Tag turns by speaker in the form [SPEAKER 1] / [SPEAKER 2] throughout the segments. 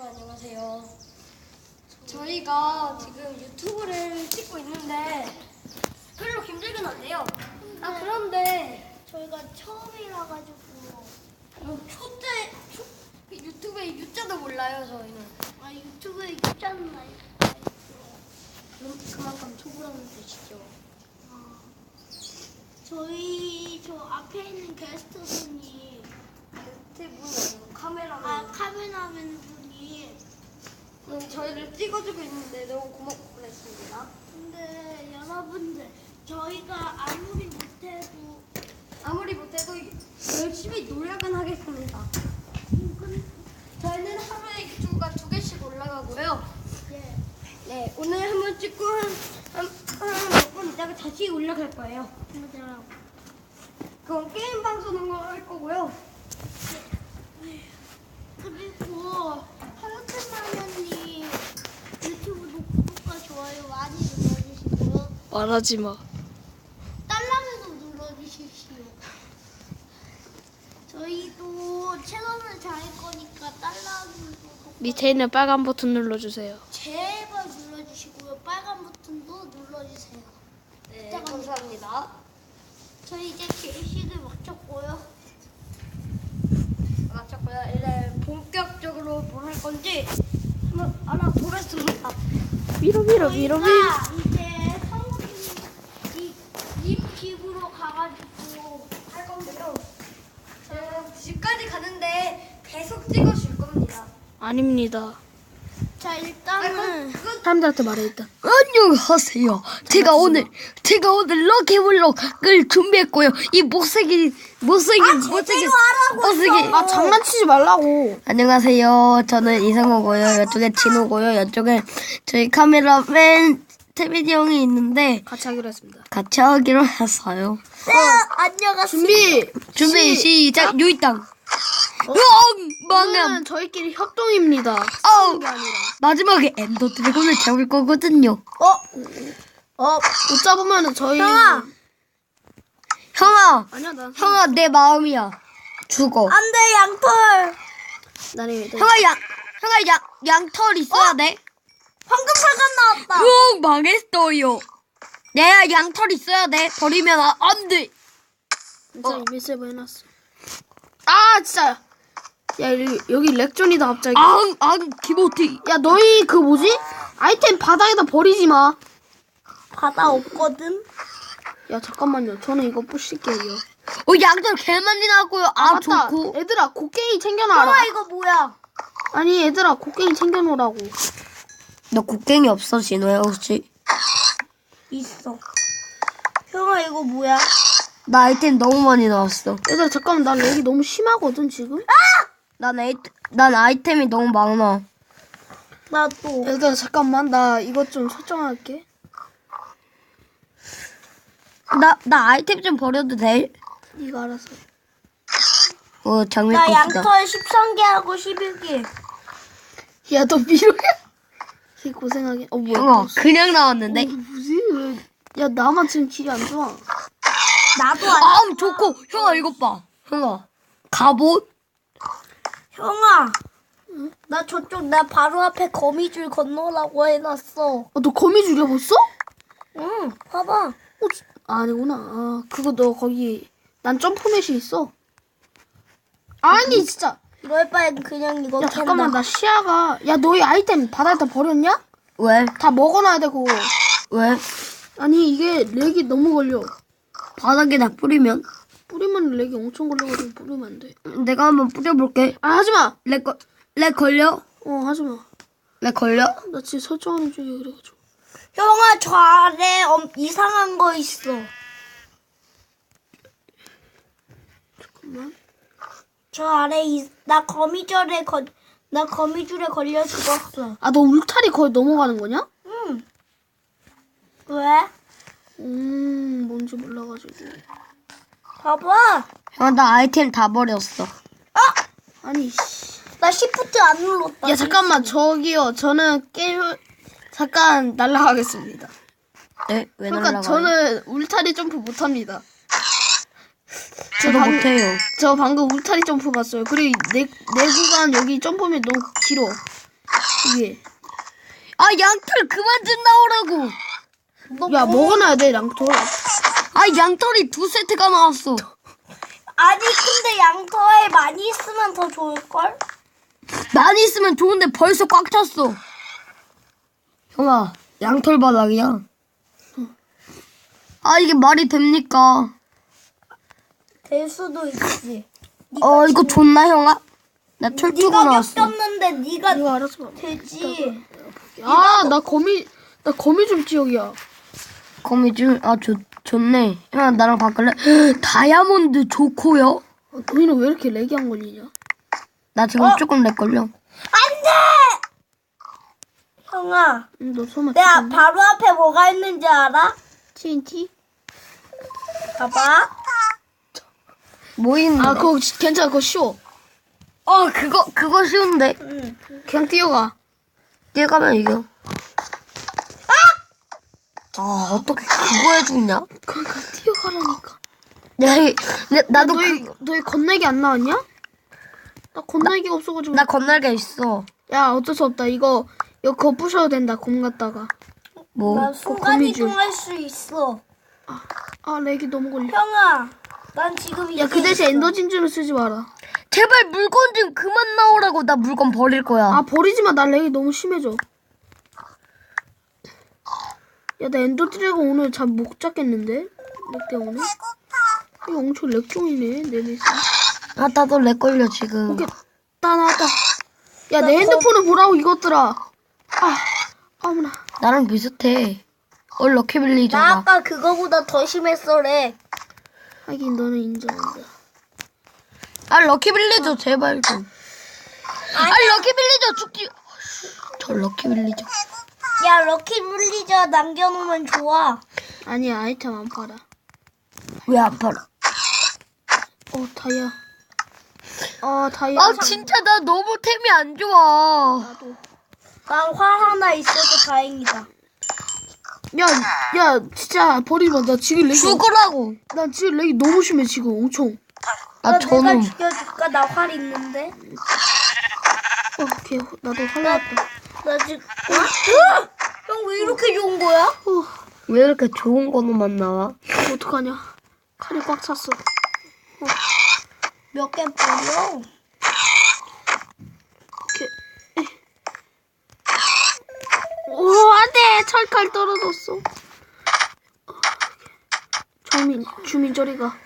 [SPEAKER 1] 안녕하세요. 저희가 지금 유튜브를 찍고 있는데 별로 힘들긴 한데요. 그런데
[SPEAKER 2] 저희가 처음이라 가지고
[SPEAKER 1] 유튜브에 유자도 몰라요 저희는.
[SPEAKER 2] 유튜브에 있잖아요.
[SPEAKER 1] 그럼 그만큼 초보라는 뜻이죠.
[SPEAKER 2] 저희 저 앞에 있는 게스트분이
[SPEAKER 1] 유튜브는 카메라맨.
[SPEAKER 2] 카메라맨 분이
[SPEAKER 1] 저희를 찍어주고 있는데 너무 고맙고 그랬습니다.
[SPEAKER 2] 근데 여러분들 저희가
[SPEAKER 1] 아무리 못해도 열심히 노력은 하겠습니다. 저희는 하루에 유튜브가 2개씩 올라가고요.
[SPEAKER 2] 예.
[SPEAKER 1] 네, 오늘 한번 찍고 몇 분 있다가 다시 올라갈 거예요.
[SPEAKER 2] 맞아요.
[SPEAKER 1] 그건 게임 방송을 할 거고요.
[SPEAKER 2] 그리고 하여튼마녀님 유튜브도 구독과 좋아요 많이 눌러주시고요.
[SPEAKER 3] 말하지 마.
[SPEAKER 2] 딸랑이도 눌러주십시오. 저희도 채널을 잘 거니까 딸랑이도
[SPEAKER 3] 밑에 있는 빨간 버튼 눌러주세요.
[SPEAKER 2] 제발 눌러주시고요. 빨간 버튼도 눌러주세요.
[SPEAKER 1] 네, 감사합니다.
[SPEAKER 2] 저희 이제 게시를 마쳤고요.
[SPEAKER 1] 마쳤고요. 이제 본격적으로 뭘 할 건지 한번 알아보겠습니다.
[SPEAKER 3] 밀어.
[SPEAKER 2] 저희가 이제 성우님 집 집으로 가가지고
[SPEAKER 1] 할 건데요. 집까지 가는데 계속 찍어줄 겁니다.
[SPEAKER 3] 아닙니다.
[SPEAKER 2] 자 일단은
[SPEAKER 1] 그건
[SPEAKER 3] 사람들한테 말해 일단.
[SPEAKER 4] 안녕하세요. 제가 오늘 럭키블럭을 준비했고요. 이 못생긴
[SPEAKER 3] 아 장난치지 말라고.
[SPEAKER 4] 안녕하세요. 저는 이상호고요. 이쪽에 진호고요. 이쪽에 저희 카메라맨 태빈이 형이 있는데
[SPEAKER 3] 같이 하기로 했습니다.
[SPEAKER 4] 같이 하기로 했어요.
[SPEAKER 2] 안녕하세요.
[SPEAKER 4] 준비 시작. 유이땅. 망함.
[SPEAKER 3] 오늘은 저희끼리 협동입니다.
[SPEAKER 4] 어우.
[SPEAKER 3] 싸우는 게 아니라.
[SPEAKER 4] 마지막에 엔더 드래곤을 잡을 거거든요.
[SPEAKER 3] 못 잡으면은 저희.
[SPEAKER 4] 형아,
[SPEAKER 3] 아니야 난.
[SPEAKER 4] 형아 내 마음이야. 죽어.
[SPEAKER 2] 안돼 양털.
[SPEAKER 3] 나는
[SPEAKER 4] 형아 양털 있어야 돼.
[SPEAKER 2] 황금 사전 나왔다.
[SPEAKER 4] 망했어요. 내가 양털 있어야 돼. 버리면 안 돼.
[SPEAKER 3] 진짜 이미 세이브 해놨어. 아 진짜. 야 여기 렉존이다 갑자기.
[SPEAKER 4] 기모티.
[SPEAKER 3] 야 너희 그 뭐지? 아이템 바닥에다 버리지 마.
[SPEAKER 2] 바다 없거든.
[SPEAKER 3] 야 잠깐만요. 저는 이거 부실게요.
[SPEAKER 4] 양털 개 많이 나왔고요.
[SPEAKER 3] 맞다.
[SPEAKER 4] 좋고.
[SPEAKER 3] 얘들아 곡괭이 챙겨놔라.
[SPEAKER 2] 이거 뭐야?
[SPEAKER 3] 아니 얘들아 곡괭이 챙겨놓으라고.
[SPEAKER 4] 너 곡괭이 없어, 진호야, 혹시?
[SPEAKER 2] 있어. 형아 이거 뭐야?
[SPEAKER 4] 나 아이템 너무 많이 나왔어.
[SPEAKER 3] 얘들아 잠깐만 나 렉이 너무 심하거든 지금.
[SPEAKER 4] 난 아이템이 너무 많아.
[SPEAKER 2] 나도.
[SPEAKER 3] 얘들아 잠깐만 나 이것 좀 설정할게.
[SPEAKER 4] 나 아이템 좀 버려도 돼?
[SPEAKER 3] 네가 알아서.
[SPEAKER 2] 나
[SPEAKER 4] 장미꽃이다.
[SPEAKER 2] 양털 13개 하고 11개.
[SPEAKER 3] 야 너 미로야? 이 고생하게. 뭐야?
[SPEAKER 4] 형아, 그냥 나왔는데?
[SPEAKER 3] 뭐지? 야 나만 지금 길이 안 좋아.
[SPEAKER 2] 나도 안.
[SPEAKER 4] 좋고. 형아, 이것 봐. 형아, 갑옷?
[SPEAKER 2] 형아. 나 저쪽 나 바로 앞에 거미줄 건너라고 해놨어.
[SPEAKER 3] 너 거미 죽여봤어?
[SPEAKER 2] 응. 봐봐.
[SPEAKER 3] 아니구나. 아 그거 너 거기 난 점프맷이 있어. 아니 진짜.
[SPEAKER 2] 이럴 바엔 그냥 이거
[SPEAKER 3] 야 잠깐만 나 시야가. 야 너희 아이템 바닥에다 버렸냐?
[SPEAKER 4] 왜?
[SPEAKER 3] 다 먹어놔야 돼 그거.
[SPEAKER 4] 왜?
[SPEAKER 3] 아니 이게 렉이 너무 걸려.
[SPEAKER 4] 바닥에다 뿌리면?
[SPEAKER 3] 뿌리면 렉이 엄청 걸려가지고 뿌리면 안 돼.
[SPEAKER 4] 내가 한번 뿌려볼게.
[SPEAKER 3] 아 하지마.
[SPEAKER 4] 렉 걸려?
[SPEAKER 3] 하지마.
[SPEAKER 4] 렉 걸려?
[SPEAKER 3] 나 지금 설정하는 중이야 그래가지고.
[SPEAKER 2] 형아 저 아래 이상한 거 있어.
[SPEAKER 3] 잠깐만.
[SPEAKER 2] 저 아래 나 거미줄에 걸려 죽었어.
[SPEAKER 3] 아 너 울타리 거의 넘어가는 거냐?
[SPEAKER 2] 응. 왜?
[SPEAKER 3] 뭔지 몰라가지고.
[SPEAKER 2] 봐봐.
[SPEAKER 4] 형아, 나 아이템 다 버렸어.
[SPEAKER 3] 아니 씨.
[SPEAKER 2] 나 시프트 안 눌렀다.
[SPEAKER 3] 야 잠깐만 저기요 저는 게임 잠깐 날라가겠습니다.
[SPEAKER 4] 네? 왜
[SPEAKER 3] 그러니까
[SPEAKER 4] 날라가요?
[SPEAKER 3] 저는 울타리 점프 못합니다.
[SPEAKER 4] 저도 못해요.
[SPEAKER 3] 저 방금 울타리 점프 봤어요. 그리고 내 구간 여기 점프면 너무 길어. 위에.
[SPEAKER 4] 아 양털 그만 좀 나오라고.
[SPEAKER 3] 야 먹어놔야 돼 양털.
[SPEAKER 4] 아 양털이 2세트가 나왔어.
[SPEAKER 2] 아니 근데 양털 많이 있으면 더 좋을걸?
[SPEAKER 4] 많이 있으면 좋은데 벌써 꽉 찼어. 형아 양털 바닥이야. 아 이게 말이 됩니까?
[SPEAKER 2] 될 수도 있지.
[SPEAKER 4] 이거 좋나 형아? 나 철쭉으로
[SPEAKER 2] 네가
[SPEAKER 4] 나왔어.
[SPEAKER 2] 겪었는데 네가
[SPEAKER 3] 이거 알아서 봐.
[SPEAKER 2] 되지.
[SPEAKER 3] 아나 거미 줄 지역이야.
[SPEAKER 4] 거미줄 좋네. 형아 나랑 바꿀래? 다이아몬드 좋고요.
[SPEAKER 3] 너희는 왜 이렇게 렉이 안 걸리냐?
[SPEAKER 4] 나 지금 조금 렉 걸려.
[SPEAKER 2] 안돼. 형아,
[SPEAKER 3] 너 설마
[SPEAKER 2] 내가 바로 앞에 뭐가 있는지 알아?
[SPEAKER 3] TNT?
[SPEAKER 2] 봐봐.
[SPEAKER 4] 뭐 있는데?
[SPEAKER 3] 아 그거 괜찮아 그거 쉬워.
[SPEAKER 4] 그거 쉬운데.
[SPEAKER 3] 그냥 뛰어가.
[SPEAKER 4] 뛰어가면 이겨. 아 어떻게 그거 해주냐?
[SPEAKER 3] 그러니까 뛰어가라니까.
[SPEAKER 4] 나도
[SPEAKER 3] 너희 건날개 안 나왔냐? 나 건날개가 없어가지고.
[SPEAKER 4] 나 건날개 있어.
[SPEAKER 3] 야 어쩔 수 없다. 이거 그거 부셔도 된다. 곰 갖다가.
[SPEAKER 4] 뭐?
[SPEAKER 2] 나 순간
[SPEAKER 3] 거미줄.
[SPEAKER 2] 이동할 수 있어.
[SPEAKER 3] 아 렉이 너무 걸려.
[SPEAKER 2] 형아, 난 지금
[SPEAKER 3] 야 그 대신 엔더 진주를 쓰지 마라.
[SPEAKER 4] 제발 물건 좀 그만 나오라고. 나 물건 버릴 거야.
[SPEAKER 3] 아 버리지 마. 나 렉이 너무 심해져. 야 나 엔더 드래곤 오늘 잠 못 잡겠는데? 렉 때문에? 이거 엄청 렉종이네 내 넷이.
[SPEAKER 4] 아 나도 렉 걸려 지금.
[SPEAKER 3] 오케이 나 나왔다. 야 내 핸드폰을 보라고 이것들아. 아무나.
[SPEAKER 4] 나랑 비슷해. 럭키
[SPEAKER 2] 나
[SPEAKER 4] 빌리저가.
[SPEAKER 2] 아까 그거보다 더 심했어래.
[SPEAKER 3] 하긴 너는 인정한다.
[SPEAKER 4] 아 럭키 빌리저 제발 좀. 아 럭키 빌리저 죽지. 저 럭키 빌리저.
[SPEAKER 2] 야, 럭키 물리저 남겨놓으면 좋아.
[SPEAKER 3] 아니야 아이템 안 팔아.
[SPEAKER 4] 왜 안 팔아?
[SPEAKER 3] 다이아. 다이아.
[SPEAKER 4] 아 진짜 나 너무 템이 안 좋아.
[SPEAKER 3] 나도.
[SPEAKER 2] 난 활 하나 있어서 다행이다.
[SPEAKER 3] 야 진짜 버리지 마. 나 지금 렉이.
[SPEAKER 4] 죽으라고.
[SPEAKER 3] 난 지금 렉이 너무 심해 지금 엄청.
[SPEAKER 4] 아
[SPEAKER 2] 내가
[SPEAKER 4] 저놈.
[SPEAKER 2] 죽여줄까? 나 활 있는데.
[SPEAKER 3] 오케이 나도 활 나왔다.
[SPEAKER 2] 나 지금. 형 왜 이렇게 좋은 거야?
[SPEAKER 4] 왜 이렇게 좋은 거만 나와?
[SPEAKER 3] 어떡하냐. 칼이 꽉 찼어.
[SPEAKER 2] 몇 개 버려?
[SPEAKER 3] 오케이. 오 안돼 철칼 떨어졌어. 주민 저리 가.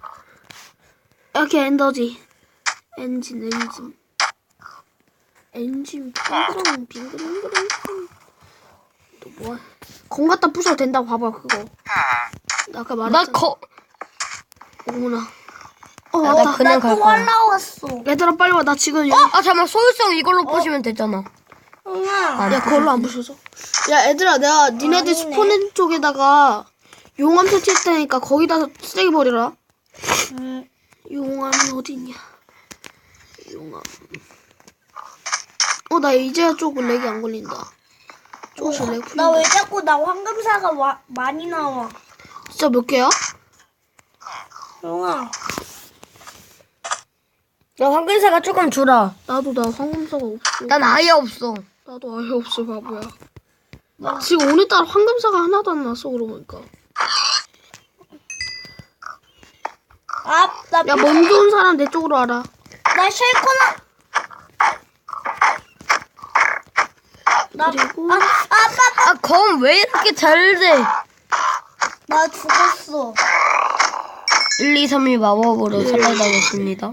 [SPEAKER 3] 이렇게 엔더지. 엔진 빙그렁 또 뭐야? 공 갖다 부셔도 된다고 봐봐 그거. 나 아까 말했잖아. 어머나.
[SPEAKER 4] 나
[SPEAKER 3] 왔다.
[SPEAKER 4] 그냥 갈
[SPEAKER 2] 또 활
[SPEAKER 4] 거야.
[SPEAKER 2] 나왔어.
[SPEAKER 3] 얘들아 빨리 와. 나 지금
[SPEAKER 4] 아 잠깐 소유성 이걸로 보시면 되잖아.
[SPEAKER 2] 형아.
[SPEAKER 3] 야 그걸로 안 부셔져. 야 얘들아 내가 니네들
[SPEAKER 2] 아니네.
[SPEAKER 3] 스폰 쪽에다가 용암 설치할 테니까 거기다 쓰레기 버려라. 용암이 어디 있냐? 용암. 나 이제야 조금 렉이 안 걸린다. 조금씩 렉 풀린다.
[SPEAKER 2] 나 왜 자꾸 나 황금사가 많이 나와?
[SPEAKER 3] 진짜 몇 개야?
[SPEAKER 2] 형아.
[SPEAKER 4] 야 황금사가 조금 주라.
[SPEAKER 3] 나도 나 황금사가 없어.
[SPEAKER 4] 난 아예 없어.
[SPEAKER 3] 나도 아예 없어 바보야. 지금 오늘따라 황금사가 하나도 안 났어 그러고 보니까.
[SPEAKER 2] 나
[SPEAKER 3] 야 먼저 온 사람 내 쪽으로 와라.
[SPEAKER 2] 나 쉘코나.
[SPEAKER 3] 그리고
[SPEAKER 4] 아 검 왜 이렇게 잘 돼?
[SPEAKER 2] 나 죽었어.
[SPEAKER 4] 1, 2, 3일 마법으로 살려다녔습니다.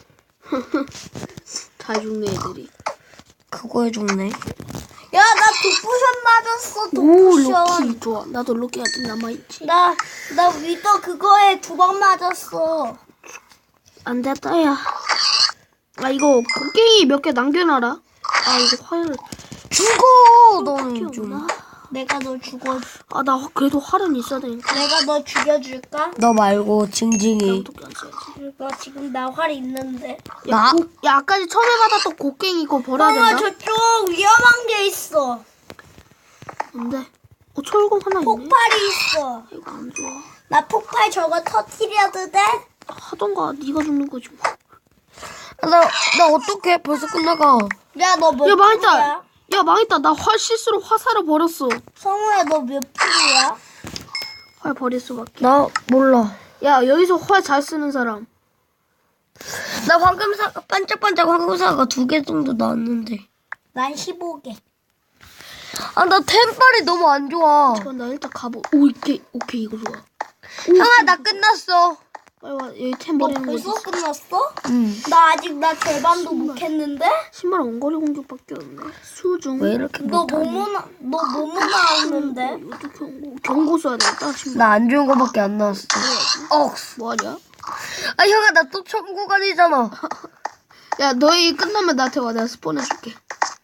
[SPEAKER 3] 다 죽네 애들이.
[SPEAKER 4] 그거에 죽네.
[SPEAKER 2] 야, 나 독부션 맞았어.
[SPEAKER 3] 오
[SPEAKER 2] 독부션.
[SPEAKER 3] 로키 좋아. 나도 로키 아직 남아있지.
[SPEAKER 2] 나 위더 그거에 2번 맞았어.
[SPEAKER 3] 안 됐다 야. 이거 곡괭이 몇 개 남겨놔라. 이거 화를.
[SPEAKER 4] 죽어 너는 좀.
[SPEAKER 2] 내가 너 죽어.
[SPEAKER 3] 나 그래도 활은 있어야 되니까.
[SPEAKER 2] 내가 너 죽여줄까?
[SPEAKER 4] 너 말고 징징이.
[SPEAKER 3] 어떻게 안 써야지.
[SPEAKER 2] 너 지금 나 활 있는데.
[SPEAKER 4] 나?
[SPEAKER 3] 야 아까 처음에 받았던 곡괭이 이거 버려야
[SPEAKER 2] 형아,
[SPEAKER 3] 된다.
[SPEAKER 2] 저쪽 위험한 게 있어.
[SPEAKER 3] 근데 철검 하나 있네.
[SPEAKER 2] 폭발이 있어.
[SPEAKER 3] 이거 안 좋아.
[SPEAKER 2] 나 폭발 저거 터트려도 돼?
[SPEAKER 3] 하던가 네가 죽는 거지 뭐.
[SPEAKER 4] 나 어떡해 벌써 끝나가.
[SPEAKER 2] 야, 너 뭐?
[SPEAKER 3] 야 망했다. 야 망했다. 나 실수로 화살을 버렸어.
[SPEAKER 2] 성우야 너 몇 프로야?
[SPEAKER 3] 활 버릴 수밖에.
[SPEAKER 4] 나 몰라.
[SPEAKER 3] 야 여기서 활 잘 쓰는 사람.
[SPEAKER 4] 나 방금 반짝반짝 황금사가 2개 정도 나왔는데.
[SPEAKER 2] 난 15개.
[SPEAKER 4] 아, 나 템빨이 너무 안 좋아.
[SPEAKER 3] 잠깐 나 일단 가보. 오케이 이거 좋아.
[SPEAKER 4] 형아, 나 끝났어.
[SPEAKER 3] 빨리 와. 여기 템
[SPEAKER 2] 너
[SPEAKER 3] 버리는 거 있어.
[SPEAKER 2] 벌써 끝났어?
[SPEAKER 4] 응.
[SPEAKER 2] 나 아직 나 절반도 못 했는데?
[SPEAKER 3] 신발 원거리 공격밖에 없네. 수중.
[SPEAKER 4] 왜 이렇게
[SPEAKER 2] 너
[SPEAKER 4] 못하니?
[SPEAKER 2] 뭐뭐 나왔는데?
[SPEAKER 3] 이것도 경고 써야 되겠다. 신발.
[SPEAKER 4] 나 안 좋은 거밖에 안 나왔어.
[SPEAKER 3] 뭐하냐?
[SPEAKER 4] 아, 형아, 나 또 천국아니잖아.
[SPEAKER 3] 야 너희 끝나면 나한테 와. 내가 스폰해줄게.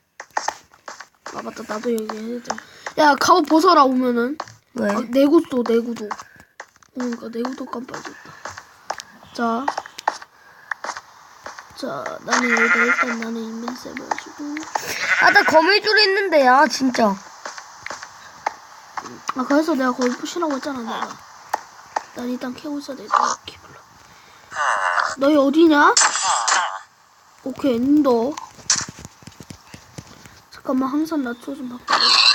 [SPEAKER 3] 아 맞다. 나도 여기 해야 돼. 야 갑옷 벗어라 오면은.
[SPEAKER 4] 왜?
[SPEAKER 3] 내구도. 그러니까 내구도 깜빡이었다. 자, 나는 여기다 일단 나는 인벤셉을 해주고.
[SPEAKER 4] 아, 나 거미줄 있는데, 야, 진짜.
[SPEAKER 3] 아 그래서 내가 거기 푸시라고 했잖아 내가. 난 일단 캐고 있어야 되겠다. 키블러. 너희 어디냐? 오케이 엔더. 잠깐만 항상 낮춰 좀 바꿔.